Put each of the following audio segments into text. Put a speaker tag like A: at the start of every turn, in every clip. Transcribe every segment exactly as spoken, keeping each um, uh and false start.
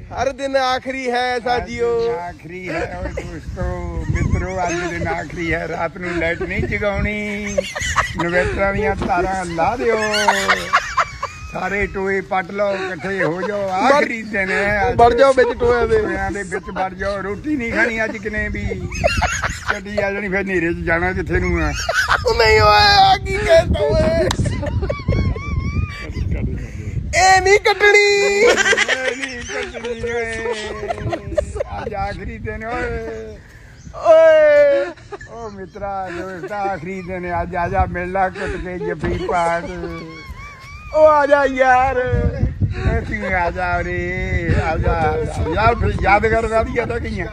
A: हर दिन आखिरी है साजियो,
B: आखिरी है और दोस्तों मित्रों आज दिन आखिरी है। रात नूं लाइट नहीं जगाउणी, इन्वेटरां दीयां तारां ला दिओ, सारे टोए पट लो, इकट्ठे हो जाओ। आखिरी दिन है,
A: बढ़ जाओ बिच टोया दे
B: टोयां दे बिच बढ़ जाओ। रोटी नहीं खानी अज किने भी, गड्डी आ जानी फिर नेरे च जाना जिथे नूं आ।
A: नहीं होया की कहता ओए ए नहीं कटनी,
B: आज आखिरी दिन
A: ओए
B: ओ मित्रा दोस्त आखिरी दिन आज आजा मेला कुट के जफी पाट
A: ओ आजा यार,
B: आजा रे आजा यार। फिर यादगार वादियां तो गईयां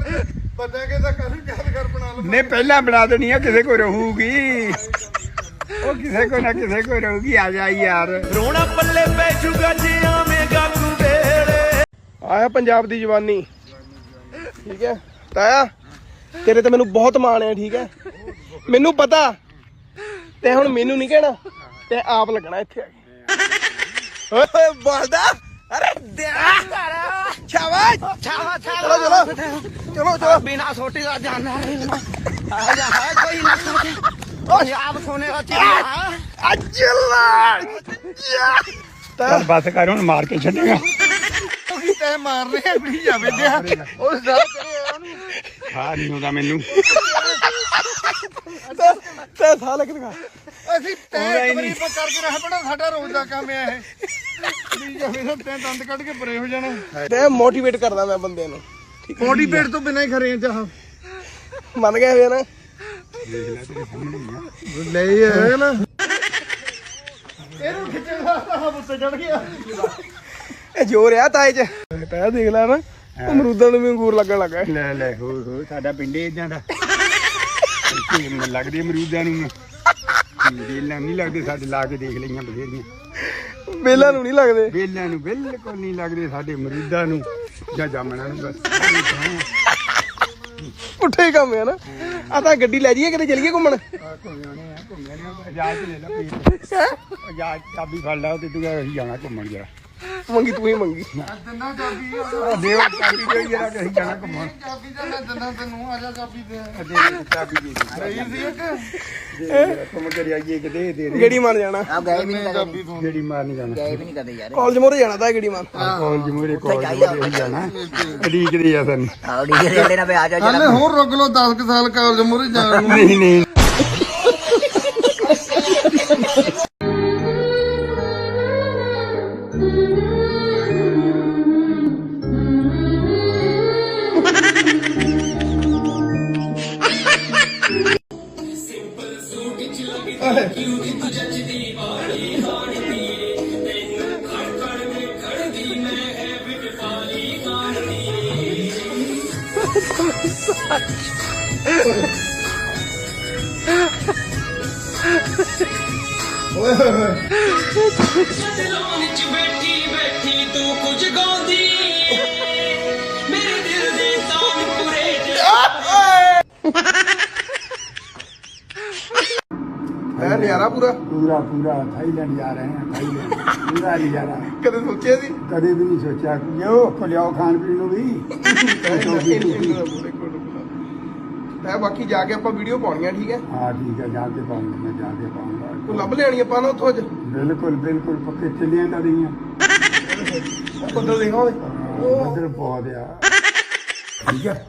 B: नहीं पहला बना देनी है, किसी को रहूगी वो, किसी को ना किसी को रहूगी। आजा यार
A: रोना पल्ले पै जुगा जे आवेगा तू बेड़े। आया पंजाब दी जवानी, ठीक है ताया तेरे ते मैनू बहुत माण है, ठीक है मैनू पता, ते हुण मैनू नहीं कहना, ते आप लगना इत्थे आके। ओए बोलदा अरे शाबाश शाबाश, चलो चलो चलो चलो,
C: बिना सोटी का जाना आजा है कोई ना सोचे पंजाब सोने का चिल्ला
A: अल्लाह
B: चल बस कर हुण, मार के छड्डेगा
A: तै मार रहे हैं भी जावे दे उस दा तेरे ओनु
B: खा नहीं होगा मैनू
A: तै साल कितना
C: ਅਸੀਂ ਤੈ ਇੱਕ ਵਾਰੀ ਆਪਾਂ ਕਰਕੇ ਰਹਿ ਪਣਾ, ਸਾਡਾ ਰੋਜ਼ ਦਾ ਕੰਮ ਹੈ ਇਹ ਵੀ ਜਾਵੇ ਨਾ ਤੈ ਦੰਦ ਕੱਢ ਕੇ ਪਰੇ ਹੋ ਜਾਣਾ।
A: ਤੈ ਮੋਟੀਵੇਟ ਕਰਦਾ ਮੈਂ ਬੰਦੇ ਨੂੰ, ਠੀਕ ਹੈ
C: ਮੋਟੀਵੇਟ ਤੋਂ ਬਿਨਾਂ ਹੀ ਖਰੇ ਆ ਚਾਹ
A: ਮੰਨ ਗਏ ਹੋਏ ਨਾ,
C: ਨਹੀਂ ਹੈ ਨਾ ਇਹਨੂੰ ਖਿੱਚਣ ਵਾਸਤਾ ਹੱਥ ਉੱਤੇ ਚੜ ਗਿਆ।
A: ਇਹ ਜੋਰ ਆ ਤਾਏ ਚ, ਤੈ ਦੇਖ ਲੈ ਨਾ ਅਮਰੂਦਾਂ ਨੂੰ ਵੀ ਅੰਗੂਰ ਲੱਗਣ ਲੱਗਾ।
B: ਲੈ ਲੈ ਹੋ ਹੋ ਸਾਡਾ ਪਿੰਡ ਇਦਾਂ ਦਾ ਲੱਗਦੇ ਅਮਰੂਦਾਂ ਨੂੰ, ਵੇਲਾਂ ਨਹੀਂ ਲੱਗਦੇ ਸਾਡੇ, ਲਾ ਕੇ ਦੇਖ ਲਈਆਂ ਬਥੇਰੀਆਂ।
A: ਵੇਲਾਂ ਨੂੰ ਨਹੀਂ ਲੱਗਦੇ,
B: ਵੇਲਾਂ ਨੂੰ ਬਿਲਕੁਲ ਨਹੀਂ ਲੱਗਦੇ ਸਾਡੇ, ਅਮਰੂਦਾਂ ਨੂੰ ਜਾਂ ਜਾਮਣਾਂ ਨੂੰ ਬਸ
A: ਪੁੱਠੇ ਕੰਮ ਹੈ ਨਾ। ਆ ਤਾਂ ਗੱਡੀ ਲੈ ਜਾਈਏ ਕਿਤੇ ਚਲੀਏ ਘੁੰਮਣ।
B: ਇਜਾਜ਼ਤ ਲੈ ਲਾ ਇਜਾਜ਼ਤ, ਚਾਬੀ ਫੜ ਲਾ ਤੇ ਤੂੰ ਅਸੀਂ ਜਾਣਾ ਘੁੰਮਣ ਜਰਾ।
A: ਮੰਗੀ ਤੂੰ ਹੀ ਮੰਗੀ,
C: ਦਿੰਦਾ ਚਾਬੀ
B: ਦੇਵ ਚਾਬੀ ਦੇ ਜਰਾ ਅਸੀਂ ਜਾਣਾ ਘੁੰਮਣ।
C: ਚਾਬੀ ਦਿੰਦਾ ਦਿੰਦਾ ਤੈਨੂੰ ਆ ਜਾ ਚਾਬੀ ਦੇ
B: ਦੇ ਚਾਬੀ ਦੇ
C: ਰਹੀ ਸੀ ਇੱਕ
B: ਦੇ ਘੁੰਮ ਕੇ ਆਈਏ ਕਿ ਦੇ ਦੇ
A: ਗੇੜੀ ਮਾਰ ਜਾਣਾ।
D: ਆ ਗਏ ਵੀ ਨਹੀਂ ਕਦੇ,
B: ਜਿਹੜੀ ਮਾਰ ਨਹੀਂ ਜਾਣਾ,
D: ਗਏ ਵੀ ਨਹੀਂ ਕਦੇ ਯਾਰ।
A: ਕਾਲਜ ਮੋਰੇ ਜਾਣਾ ਤਾਂ ਗੇੜੀ ਮਾਰ।
B: ਕਾਲਜ ਮੂਹਰੇ ਕਾਲਜ ਮੂਹਰੇ ਜਾਣਾ, ਉਡੀਕਦੇ ਆ ਸਾਨੂੰ।
D: ਆਉੜੀ ਜਿਹੜੇ ਨਾ ਬਈ ਆ ਜਾ
C: ਹਾਲੇ ਹੋਰ ਰੁਕ ਲੋ ਦਸ ਕੁ ਸਾਲ ਕਾਲਜ ਮੂਹਰੇ ਜਾਣ ਨੂੰ।
B: ਨਹੀਂ ਨਹੀਂ
E: बैठी बैठी तू कुछ गाँदी मेरे दिल दे तानपुरे
A: ਹੈ ਨਜ਼ਾਰਾ ਪੂਰਾ
B: ਪੂਰਾ ਪੂਰਾ ਥਾਈਲੈਂਡ ਜਾ ਰਹੇ ਹਾਂ, ਥਾਈਲੈਂਡ ਪੂਰਾ ਨਹੀਂ ਜਾ ਰਹਾ।
A: ਕਦੇ ਸੋਚਿਆ ਸੀ?
B: ਕਦੇ ਵੀ ਨਹੀਂ ਸੋਚਿਆ ਲਿਓ ਖਲਿਆਓ ਖਾਣ ਪੀਣ ਨੂੰ ਵੀ।
A: ਤੈ ਬਾਕੀ ਜਾ ਕੇ ਆਪਾਂ ਵੀਡੀਓ ਪਾਉਣੀਆਂ, ਠੀਕ ਹੈ
B: ਹਾਂ ਠੀਕ ਹੈ, ਜਾ ਕੇ ਪਾਉਂਗਾ ਮੈਂ, ਜਾ ਕੇ ਪਾਉਂਗਾ।
A: ਤੂੰ ਲੱਭ ਲੈਣੀ ਆਪਾਂ ਨਾ ਉੱਥੋਂ ਅੱਜ।
B: ਬਿਲਕੁਲ ਬਿਲਕੁਲ ਪੱਕੇ ਚੱਲੀਆਂ ਤਾਂ ਰਹੀਆਂ।
A: ਬੱਦਲ ਦੇਖੋ
B: ਬੱਦਲ ਬਹੁਤ ਆ, ਠੀਕ ਹੈ।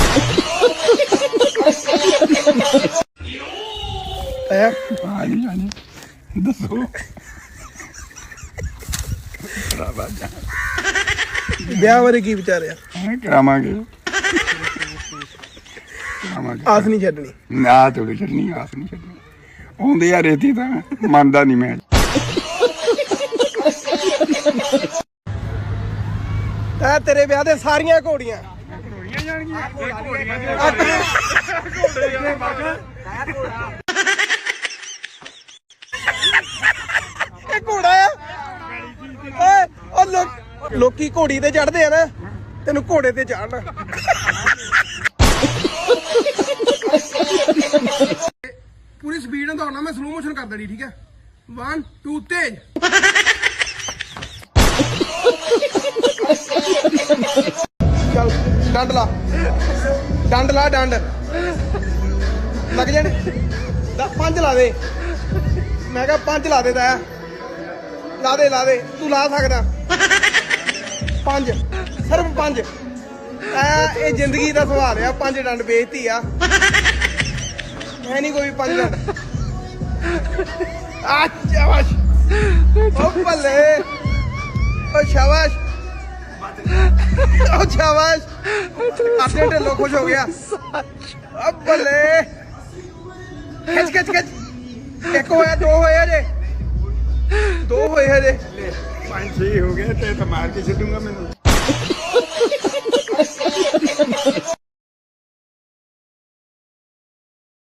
A: ਹੈ
B: ਹਾਂਜੀ ਹਾਂਜੀ ਦੱਸੋ।
A: ਵਿਆਹ ਬਾਰੇ ਕੀ ਵਿਚਾਰਿਆ?
B: ਕਰਾਵਾਂਗੇ ਕਰਾਵਾਂਗੇ,
A: ਆਸ ਨਹੀਂ ਛੱਡਣੀ।
B: ਨਾ ਥੋੜੀ ਛੱਡਣੀ, ਆਸ ਨਹੀਂ ਛੱਡਣੀ। ਆਉਂਦੇ ਆ ਰੇਤੀ ਤਾਂ ਮੰਨਦਾ ਨਹੀਂ ਮੈਂ।
A: ਤੈ ਤੇਰੇ ਵਿਆਹ ਦੇ ਸਾਰੀਆਂ ਘੋੜੀਆਂ
B: ਘੋੜੀਆਂ ਜਾਣਗੀਆਂ, ਘੋੜੀਆਂ
A: ਇਹ ਘੋੜਾ ਆ ਓਏ, ਉਹ ਲੋਕ ਲੋਕੀ ਘੋੜੀ ਤੇ ਚੜਦੇ ਆ ਨਾ, ਤੈਨੂੰ ਘੋੜੇ ਤੇ ਚੜਨਾ। ਪੂਰੀ ਸਪੀਡ ਨਾਲ ਦੌੜਨਾ, ਮੈਂ ਸਲੋ ਮੋਸ਼ਨ ਕਰ ਦੇਣੀ, ਠੀਕ ਹੈ वन टू तेज ਡੰਡ ਲਾ ਡੰਡ ਲਾ ਡੰਡ ਲੱਗ ਜਾਣ ਦ- ਪੰਜ ਲਾ ਦੇ ਮੈਂ ਕਿਹਾ ਪੰਜ ਲਾ ਦੇ ਤਾਇਆ ਲਾ ਦੇ ਲਾ ਦੇ ਤੂੰ ਲਾ ਸਕਦਾ ਪੰਜ ਸਿਰਫ ਪੰਜ ਤਾਇਆ ਇਹ ਜ਼ਿੰਦਗੀ ਦਾ ਸਵਾਲ ਆ ਪੰਜ ਡੰਡ ਵੇਚਤੀ ਆ ਹੈ ਨਹੀਂ ਕੋਈ ਪੰਜ ਡੰਡ ਆ ਸ਼ਾਬਾਸ਼ ਓ ਬੱਲੇ ਓ ਸ਼ਾਬਾਸ਼ ਓ ਸ਼ਾਬਾਸ਼ ਆਪਣੇ ਢਿੱਲੋਂ ਖੁਸ਼ ਹੋ ਗਿਆ ਓ ਬੱਲੇ ਖਿੱਚ ਖਿੱਚ ਖਿੱਚ ਇੱਕ ਹੋਇਆ ਦੋ ਹੋਏ ਜੇ ਦੋ ਹੋਏ ਹਜੇ
B: ਪੰਜ ਛੇ ਹੋ ਗਏ ਤੇ ਤਾਂ ਮਾਰ ਕੇ ਛੱਡੂਗਾ ਮੈਨੂੰ